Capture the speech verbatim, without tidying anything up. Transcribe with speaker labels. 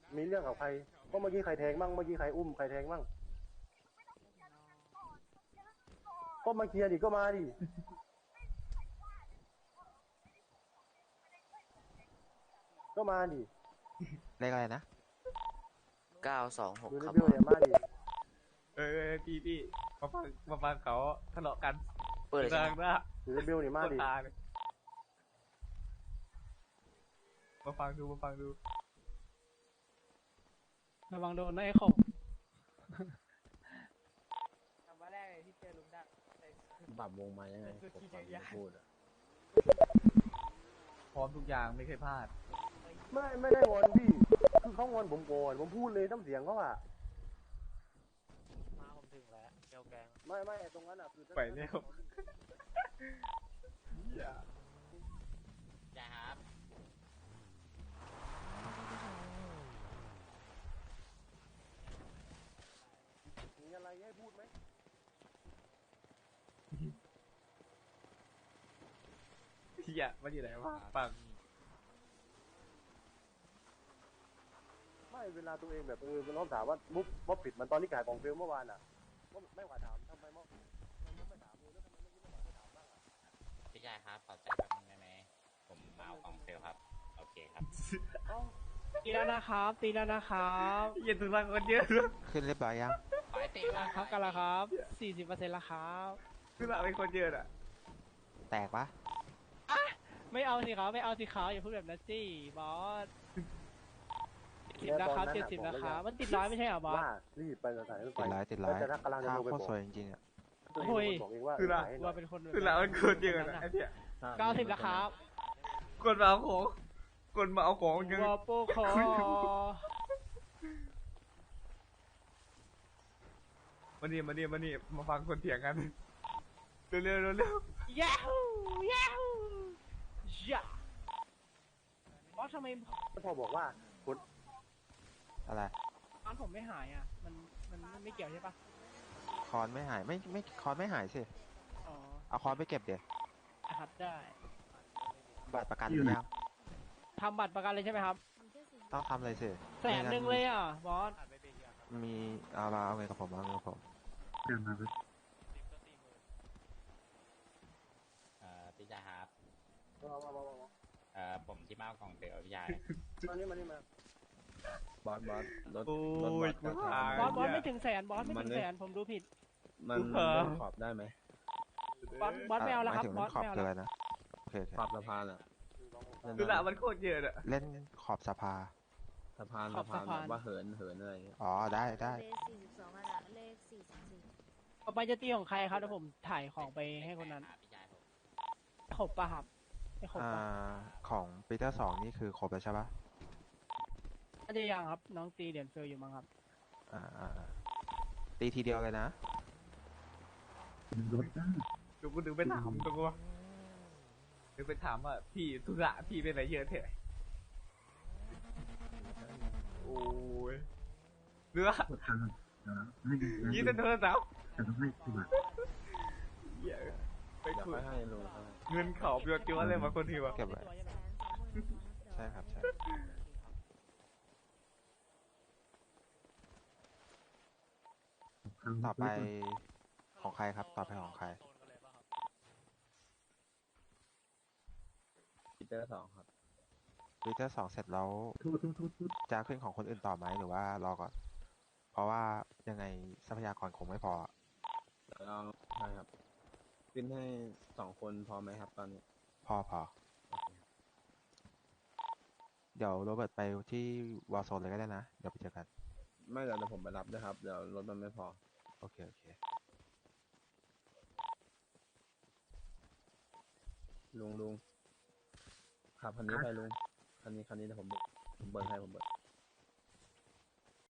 Speaker 1: มีเรื่องกับใครก็เมื่อกี้ใครแทงบ้างเมื่อกี้ใครอุ้มใครแทงบ้างก็มาเคลียร์ดิก็มาดิก็มาดิ
Speaker 2: เลขอะไรนะ
Speaker 3: เก้าสองหก
Speaker 1: ดูใน
Speaker 3: ครับ
Speaker 1: บิวเนี่ยมาดิ
Speaker 4: เออพี่พี่มาฟังมาฟังเขาทะเลาะกัน
Speaker 3: เปิดเลยใช่ไหม
Speaker 4: นะ
Speaker 1: ดูในบิวเนี่ยมาดิ
Speaker 4: ตาเลยมาฟังดูมาฟังดู
Speaker 5: ระวังโดนนะไอ้ขบคำว่าแรกเลยที่เจอลุงดัก
Speaker 6: ปรับวงมายังไงผมฟังไม่พูดอ่ะ
Speaker 4: พร้อมทุกอย่างไม่เคยพลาด
Speaker 1: ไม่ไม่ได้งอนพี่คือเขางอนผมก่อนผมพูดเลยน้ำเสียงเขาอะ
Speaker 3: มาผมถึงแล้วเกียวแกง
Speaker 1: ไม่ไม่ตรงนั้นอะคือ
Speaker 4: ไปเร็วอย่า
Speaker 3: จ้าครับ
Speaker 1: มีอะไรให้พูดไหม
Speaker 4: อย่ามันอยู่ไหนวะฟัง
Speaker 1: ไม่เวลาตัวเองแบบเออมันต้องถามว่ามุกว่าปิดมันตอนที่ขายของเฟลเมื่อวานอะว่าไม่กว่าถามทำไมมั้งไม่ถามเลยแล้วทำไมไม่คิดว่าจะถามบ้างอะ
Speaker 7: พี่ชายครับขอใจแป๊บนึงได้ไหมผมมาเอาของเซลลครับโอเคครับ
Speaker 1: เอ้า
Speaker 5: ตีแล้วนะครับตีแล้วนะครับ
Speaker 4: เย็นถึงรังคนเยอะ
Speaker 2: ขึ้นเรียบร้อยยัง
Speaker 7: ขอให้ตีว่า
Speaker 5: ครับกันละครับสี่สิบเปอร์เซ็นต์ละครับ
Speaker 4: คือรังเป็นคนเยอะอ่ะ
Speaker 2: แตกปะ
Speaker 5: ไม่เอาสิครับไม่เอาสิครับอย่าพูดแบบนั้นสิบอสเจ็ดสิบนะครับเจ็ดสิบนะครับมันติดร้อยไม่ใช่เหรอบอส
Speaker 1: ว่ารีบไปสถานีรถไฟ
Speaker 2: ติดร้อยติดร้อย
Speaker 1: แต่ถ้ากำลังจะ
Speaker 2: ถ้า
Speaker 1: โทรไป
Speaker 2: โค
Speaker 1: บ
Speaker 2: ตร
Speaker 1: อก
Speaker 2: สวยจริงๆอ่ะ
Speaker 1: ตัวเองบอกเองว่าขายให้หน่
Speaker 5: ว่า
Speaker 1: อย
Speaker 5: เป็นคน
Speaker 4: คือรังเป็นคนเยอะนะไอ้เนี่ย
Speaker 5: เก้าสิบแล้วครับ
Speaker 4: คนมาเอาของคนมาเอาของยัง
Speaker 5: วอโปคอ
Speaker 4: มานี่มานี่มานี่มาฟังคนเถียงกันเร็วเร็วเร็วเร็ว
Speaker 5: ยาฮูยาฮูยาบอสทำไม
Speaker 1: พอบอกว่าคน
Speaker 2: อะไร
Speaker 5: ร้านผมไม่หายอ่ะมันมันไม่เกี่ยวใช่ปะ
Speaker 2: คอนไม่หายไม่ไม่คอนไม่หายสิ
Speaker 5: อ๋อ
Speaker 2: เอาคอนไปเก็บเดี๋ยว
Speaker 5: นะครับได้
Speaker 2: บัตรประกันหรือยัง
Speaker 5: ทำบัตรประกันเลยใช่ไหมครับ
Speaker 2: ต้องทำเลยสิ
Speaker 5: แสนหนึ่งเลยอ่ะบอส
Speaker 2: มีเอามาเอาเงินกับผมเอาเงินกับผม
Speaker 7: เอ่อพี่ชายครับ
Speaker 1: มามามามา
Speaker 7: เอ่อผมที่มาเอาของเซลลพี่ชาย
Speaker 1: มานี่มานี่มา
Speaker 6: บอสบอสรถ
Speaker 4: โอ้
Speaker 6: รถ
Speaker 4: ย
Speaker 6: วัด
Speaker 4: กู
Speaker 6: รา
Speaker 4: ตา
Speaker 6: คาย
Speaker 5: บอสบอสไม่ถึงแสนบอสไม่ถึงแสนผมดูผิด
Speaker 6: มันเล่นขอบได้ไหม
Speaker 5: บอสบอสไม่เอาแล้วครับ
Speaker 2: หมายถึง
Speaker 5: บอ
Speaker 2: เล่
Speaker 5: ส
Speaker 2: นขอบ
Speaker 5: ไม่เอา
Speaker 2: คือ
Speaker 5: แล้
Speaker 2: อะไร
Speaker 5: ว
Speaker 2: นะโอเคโอเค
Speaker 6: ขอบสะพานอ่ะเล่น
Speaker 4: คือ
Speaker 6: ได้
Speaker 4: รังมันโคตรเยอะอ่ะ
Speaker 2: เล่นขอบสภา
Speaker 6: สะพานสะพานแบบว่าเหินเหินอะไรอย่างเงี้ย
Speaker 2: อ๋อได้ได้
Speaker 8: เลขสี่สิบสองขนาดเลขสี่สิบสี่
Speaker 5: ต่อไปจะตีของใครครับเดี๋ยวผมถ่ายของไปให้คนนั้น
Speaker 7: พี่ชายผม
Speaker 5: ขบปะครับไม่ขบ
Speaker 2: อ่า
Speaker 5: ปะ
Speaker 2: ของปีเตอร์สองนี่คือครบแล้วใช่ปะ
Speaker 5: น่าจะยังครับน้องตีเหรียญเฟลอยู่มั้งครับ
Speaker 2: อ่าอ่าอ่าตีทีเดียวเลยนะ
Speaker 4: ดูกูดึงไปถามตัวกูดึงไปถามว่าพี่ธุระพี่เป็นอะไรเยอะเถอะโอ้ยเนื้อยี่สิบโทรศัพท์เหี้ยไป
Speaker 6: เดี๋ยว
Speaker 4: คุย
Speaker 6: ค่อยให้ลุงค่อยให้
Speaker 4: เงินเขาเบียวจิ้วอะไรมาคนทีวะ
Speaker 2: เก็บไว้
Speaker 8: แสนสองหมื่นสองพัน
Speaker 2: ใช่ครับใช่ต่อไปของใครครับ ต่อไปของใคร
Speaker 6: ปีเตอร์สองครับ
Speaker 2: ปีเตอร์สองเสร็จแล้วจะขึ้นของคนอื่นต่อไหมหรือว่ารอก่อน เพราะว่ายังไงทรัพยากรคงไม่พอ
Speaker 6: เดี๋ยวเราใช่ครับขึ้นให้สองคนพอไหมครับตอนนี้
Speaker 2: พอพอ เดี๋ยวโรเบิร์ตไปที่วอลโซนเลยก็ได้นะ เดี๋ยวไปเจอกัน
Speaker 6: ไม่เดี๋ยวเดี๋ยวผมไปรับด้วยครับ เดี๋ยวรถมันไม่พอ
Speaker 2: โอเค โอเค
Speaker 6: ลุงลุงขับคันนี้ไปลุง คันนี้คันนี้เดี๋ยวผมผมเบิร์นให้ผมเบิร์น